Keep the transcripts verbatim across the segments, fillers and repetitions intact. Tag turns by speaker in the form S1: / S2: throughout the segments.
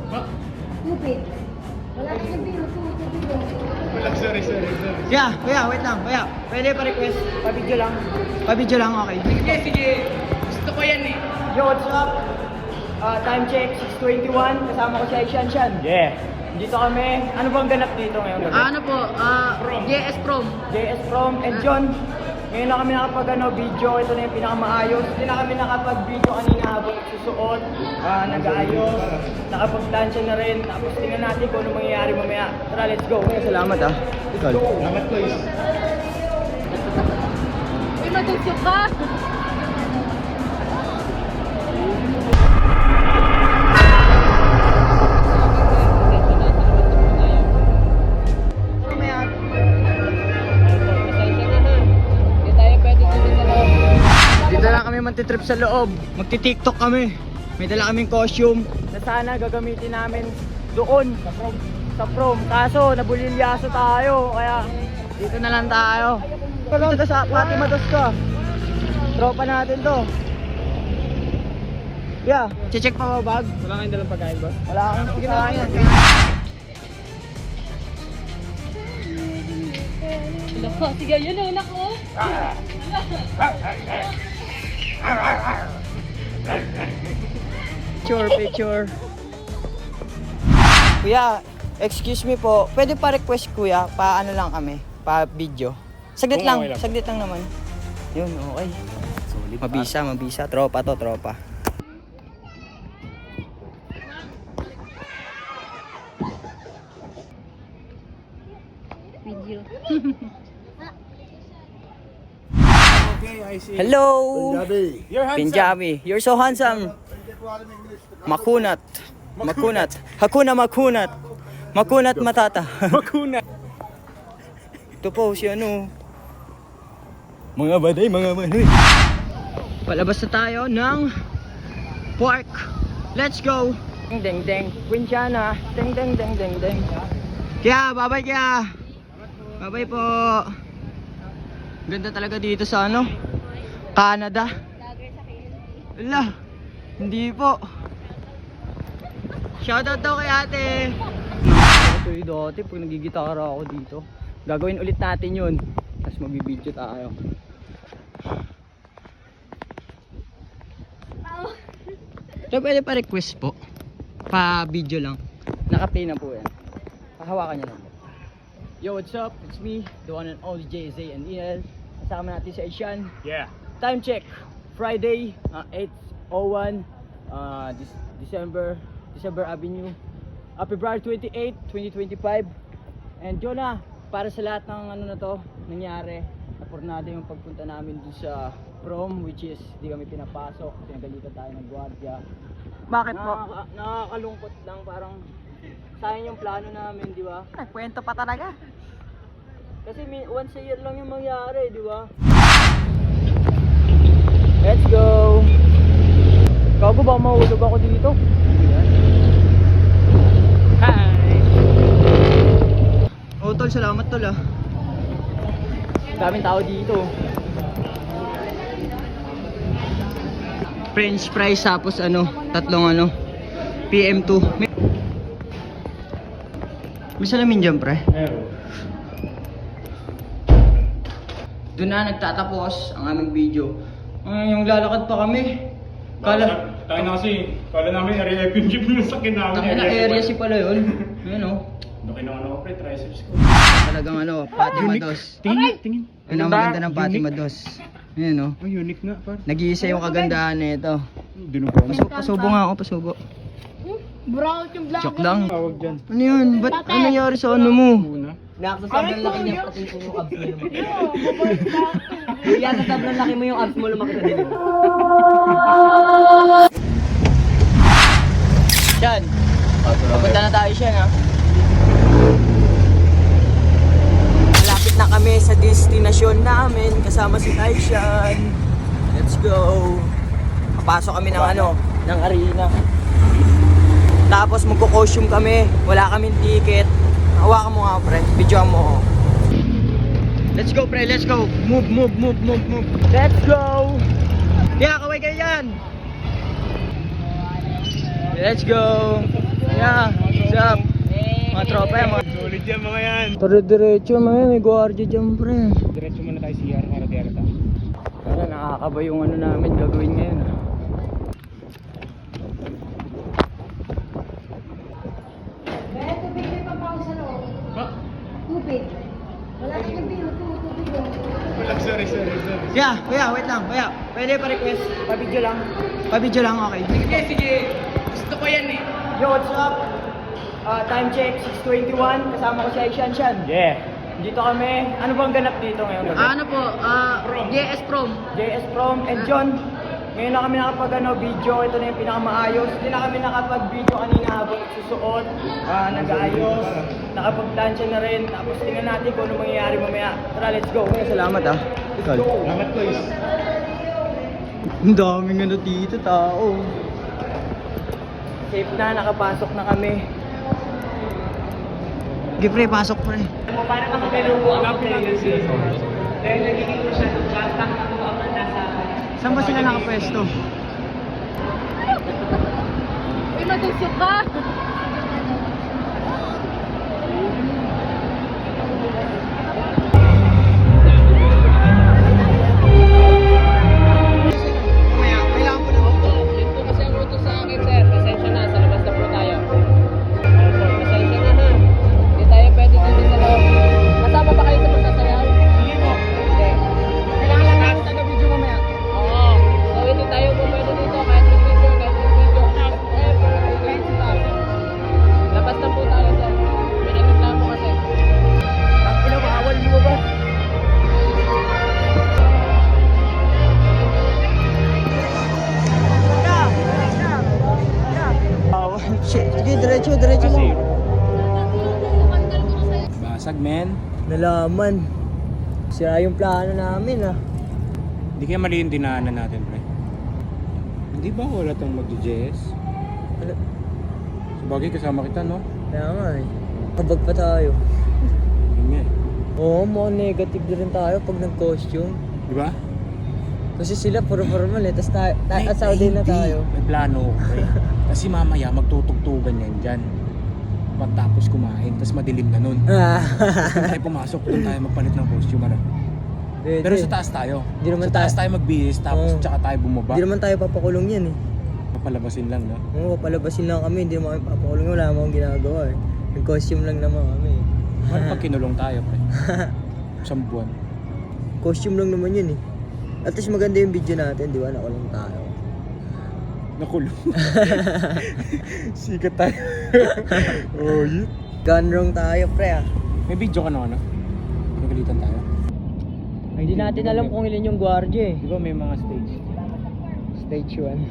S1: Stupid. Wala ka sabihin, stupid.
S2: Wala, sorry, sorry, sorry.
S3: Kuya, kuya, wait lang, kuya. Pwede pa-request? Pa-video lang. Pa-video lang, okay.
S2: Sige, sige. Gusto ko yan eh.
S3: Yo, what's up? Uh, time check, six twenty-one. Kasama ko si Aishan Shan.
S2: Yeah.
S3: Dito kami. Ano bang ganap dito ngayon gabi?
S1: Ano po, ah, J S Prom.
S3: J S Prom and John. Ngayon na kami nakapag ano, video. Ito na yung pinakamaayos. Hindi na kami nakapag-video kanina habang nagsusuot. Uh, nag-aayos. Nakapag-plancha na rin. Tapos tingnan natin kung ano mangyayari mamaya. Tara, let's go. Okay, salamat ah. Let's go.
S2: Salamat, guys.
S1: Uy, matulsok ka!
S3: Dito lang kami magti-trip sa loob. Magti-tiktok kami. May dala kaming costume na sana gagamitin namin doon sa prom. Sa prom. Kaso nabulilyaso tayo kaya dito na lang tayo. Dito sa Fatima Dos ka. Tropa natin to. Yeah, check pa ba bag?
S2: Wala kayong dalang pagkain, boss?
S3: Wala akong sige na yan.
S1: Lako, sige, yun ang anak ko.
S3: Picture, picture. Kuya, excuse me po. Pwede pa request kuya, pa ano lang kami, pa video. Saglit
S2: Kung
S3: lang,
S2: okay lang.
S3: saglit lang naman. Yun, okay. Mabisa, mabisa. Tropa to, tropa.
S1: Video.
S2: Okay, I see.
S3: Hello!
S2: You're handsome.
S3: Punjabi. You're so handsome. Makunat. Makunat. Hakuna makunat. Makunat matata.
S2: Makuna.
S3: Ito po si ano. Mga baday, mga baday. Palabas na tayo ng park. Let's go. Ding ding ding. Quinchana. Ding ding ding ding ding. Kaya, bye-bye kaya. Bye-bye po. Ganda talaga dito sa ano? Canada. Ala. Hindi po. Shoutout daw kay ate. Ito yung dati pag nagigitara ako dito. Gagawin ulit natin yun. Tapos magbibideo tayo. So pwede pa request po. Pa video lang. Naka-play na po yan. Pahawakan nyo lang po. Yo, what's up? It's me, the one and only J Z and E L. Kasama natin si Aishan.
S2: Yeah.
S3: Time check. Friday, uh, eight oh one, uh, Dec- December, December Avenue. Uh, February twenty-eighth, twenty twenty-five. And yun na, para sa lahat ng ano na to, nangyari, napurnado yung pagpunta namin dun sa prom, which is di kami pinapasok, pinagalitan tayo ng gwardiya.
S1: Bakit po?
S3: Nakaka- nakakalungkot lang, parang sayang yung plano namin, di ba?
S1: Nagkwento pa talaga.
S3: Kasi mi- once a year lang yung mangyari, di ba? Let's go! Gago ba mahulog ako dito? Hi! Oh tol, salamat tol ah. Daming tao dito. French fries tapos ano, tatlong ano, P M two. May, may salamin dyan pre.
S2: Meron.
S3: Doon na nagtatapos ang aming video. Ay, yung lalakad pa kami. Kala,
S2: Tayo na kasi, kala namin area yung jeep yung sakin namin.
S3: Ang ina area si pala yun. Ayun o.
S2: Laki ng ano ko, pre, triceps ko.
S3: Talagang ano, Fatima Dos.
S2: Tingin, tingin.
S3: Yun ang maganda ng Fatima Dos. Ayun o.
S2: Oh, unique nga, par.
S3: Nag-iisa yung kagandahan nito.
S2: Dinubo mo.
S3: Pasu pasubo nga ako, pasubo.
S1: Brown yung vlogger.
S3: Joke lang.
S2: Tawag dyan.
S3: Ano yun? Ba't ano nangyari sa ano mo?
S2: Una.
S3: Nakakasabi laki niya pati yung abs mo lumaki. Kaya sa sobrang laki mo yung abs mo lumaki sa dito. Yan. Papunta na tayo siya ha. Malapit na kami sa destinasyon namin kasama si Taishan. Let's go. Papasok kami ng ano, ng arena. Tapos magko-costume kami. Wala kaming ticket. Hawakan mo nga pre, videoan mo. Let's go pre, let's go. Move, move, move, move, move. Let's go. Yeah, kaway kayo yan. Let's go. Yeah, what's up? Mga tropa yan, mga...
S2: Solid yan mga yan.
S3: Dire-diretso, mga may guardia dyan, pre.
S2: Diretso muna tayo C R para di arata.
S3: Wala, nakakaba yung ano namin gagawin ngayon. ah.
S1: Eh, tubig may pampawag sa loob.
S2: Ha?
S1: Tubig. Wala kang nabilo, tubig yun.
S2: Wala, sorry, sorry, sorry.
S3: Yeah, kuya, wait lang, kuya. Pwede pa-request, pa-video lang. Pa-video lang, okay. Sige, sige. Gusto ko yan eh. Yo, what's up? Ah, time check, six twenty-one. Kasama ko si Aishan Shan.
S2: Yeah.
S3: Dito kami. Ano bang ganap dito ngayon? gabi?
S1: Ano po, ah, J S Prom.
S3: J S Prom and John. Ngayon na kami nakapag ano, video. Ito na yung pinakamaayos. Hindi na kami nakapag-video kanina habang susuot, ah, nag-aayos, nakapag-tansya na rin. Tapos tingnan natin kung ano mangyayari mamaya. Tara, let's go. Salamat ah. Let's go.
S2: Salamat ko is.
S3: Ang daming ano dito, tao. Safe na, nakapasok na kami. Sige pre, pasok pre.
S4: Para makapelubo ang playlist. Dahil nagiging ko siya ng bata ako ang nasa...
S3: Saan ba sila nakapwesto?
S1: Uy, madusok ka!
S3: Mamaya, kailangan ko na ako.
S4: Yun po kasi ang ruto sa akin, sir. Pasensya na, sa labas na po tayo. Pasensya na ha. Hindi tayo pwede dito sa loob. Kasama ba kayo sa pagsasayaw? Hindi po. Hindi.
S3: Kailangan lang natin taga-video mamaya.
S4: Oo. So hindi tayo po pwede dito kahit sa video, kahit sa video. Eh, kahit sa tayo. Labas na po tayo, sir. May nagreklamo kasi.
S3: Ang pinabawal mo ba? Sige, diretso, diretso mo.
S2: Basag, men.
S3: Nalaman. Sira yung plano namin ah.
S2: Hindi kaya mali yung dinaanan natin, pre. Hindi ba wala tong mag-J S?
S3: Ano?
S2: Sabagay, kasama kita, no?
S3: Kaya nga eh. Kabag pa tayo.
S2: Yun nga eh.
S3: Oo, mga negative na rin tayo pag nag-costume.
S2: Di ba?
S3: Kasi sila puro formal eh. Tapos tayo, ta- at Saudi na
S2: Hindi.
S3: tayo.
S2: May plano ko, pre. Kasi mamaya magtutugtugan yan dyan. Pagtapos kumain, tapos madilim na nun.
S3: Ah.
S2: Doon tayo pumasok, doon tayo magpalit ng costume. Ano?
S3: Pwede.
S2: Pero sa taas tayo.
S3: Di naman
S2: sa taas
S3: tayo-
S2: tayo magbihis, tapos
S3: Oo.
S2: tsaka tayo bumaba.
S3: Hindi naman tayo papakulong yan eh.
S2: Papalabasin lang, no?
S3: Oo, papalabasin lang kami. Hindi naman kami papakulong. Wala naman akong ginagawa eh. Nag-costume lang naman kami.
S2: Ano pag kinulong tayo, pre? Isang buwan.
S3: Costume lang naman yun eh. At least maganda yung video natin, di ba? Nakulong tayo.
S2: Nakulong. Sikat tayo. oh, yun.
S3: Gone wrong tayo, pre ah.
S2: May video ka na, ano? Nagalitan tayo.
S3: Hindi natin alam kung ilan yung gwardiya eh.
S2: Di ba may mga stage?
S3: Stage one.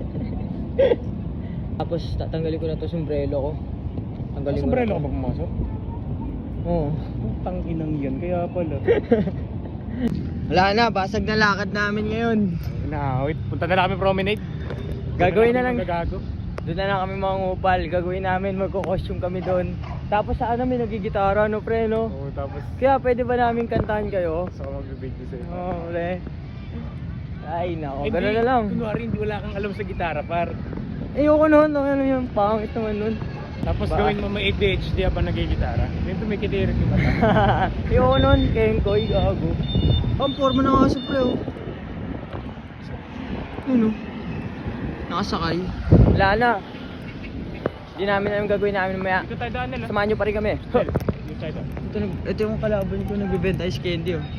S3: Tapos tatanggalin ko na to sombrero ko. Tanggalin ko
S2: Sombrero
S3: na
S2: ka
S3: to.
S2: ba pumasok?
S3: Oo.
S2: Putang inang yan, kaya pala.
S3: Wala na, basag na lakad namin ngayon.
S2: Inaawit. Punta na lang kami promenade.
S3: Gagawin na lang.
S2: Gagago.
S3: Doon na lang kami mga ngupal. Gagawin namin, magko-costume kami doon. Tapos saan namin nagigitara, no pre, no?
S2: Oo, tapos
S3: Kaya pwede ba namin kantahan kayo?
S2: sa mag-video sa'yo.
S3: Oo, oh, pre. Ay, nako,
S2: Hindi,
S3: gano'n na lang.
S2: Kunwari, hindi wala kang alam sa gitara, par.
S3: Ayoko nun, ano yun, pangit naman nun.
S2: Tapos
S3: Ba?
S2: gawin mo may A D H D habang nagigitara. Dito may kitirik yung mata.
S3: Ayoko nun, kengkoy, gago. Ang forma na nga sa pre, oh. Ano? Nakasakay. Wala na. Hindi namin alam gagawin namin mamaya.
S2: Dito tayo daan nila.
S3: Samahan nyo pa rin kami.
S2: Dito tayo daan.
S3: Ito, nag- ito yung kalaban ko nagbibenta ice candy oh.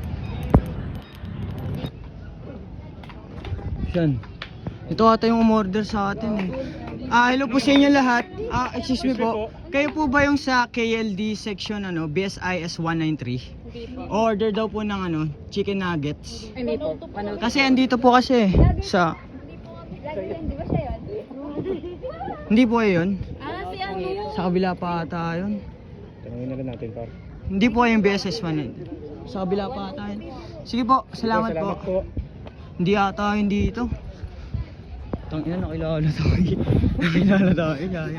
S3: Yan. Ito ata yung umorder sa atin eh. Ah, hello po sa inyo lahat. Ah, excuse me po. Kayo po ba yung sa K L D section ano, B S I S one ninety-three? Order daw po ng ano, chicken nuggets.
S1: Hindi po. Ano?
S3: Kasi andito po kasi sa
S1: Di ba siya yun?
S3: hindi po yun.
S1: Ah, si ano?
S3: Sa kabila pa ata yun.
S2: Tanungin na lang natin, par.
S3: Hindi po yung B S S one ninety. Sa kabila pa ata yun. Sige po, salamat,
S2: Salamat
S3: po. Hindi ata yun dito. Tangina, nakilala tayo. Nakilala tayo, kaya.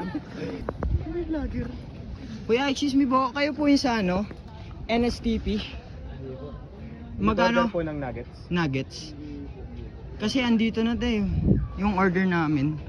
S3: Kuya, excuse me po, kayo po yung sa ano? N S T P? Magkano?
S2: Order po ng nuggets.
S3: Nuggets. Kasi andito na tayo, yung order namin.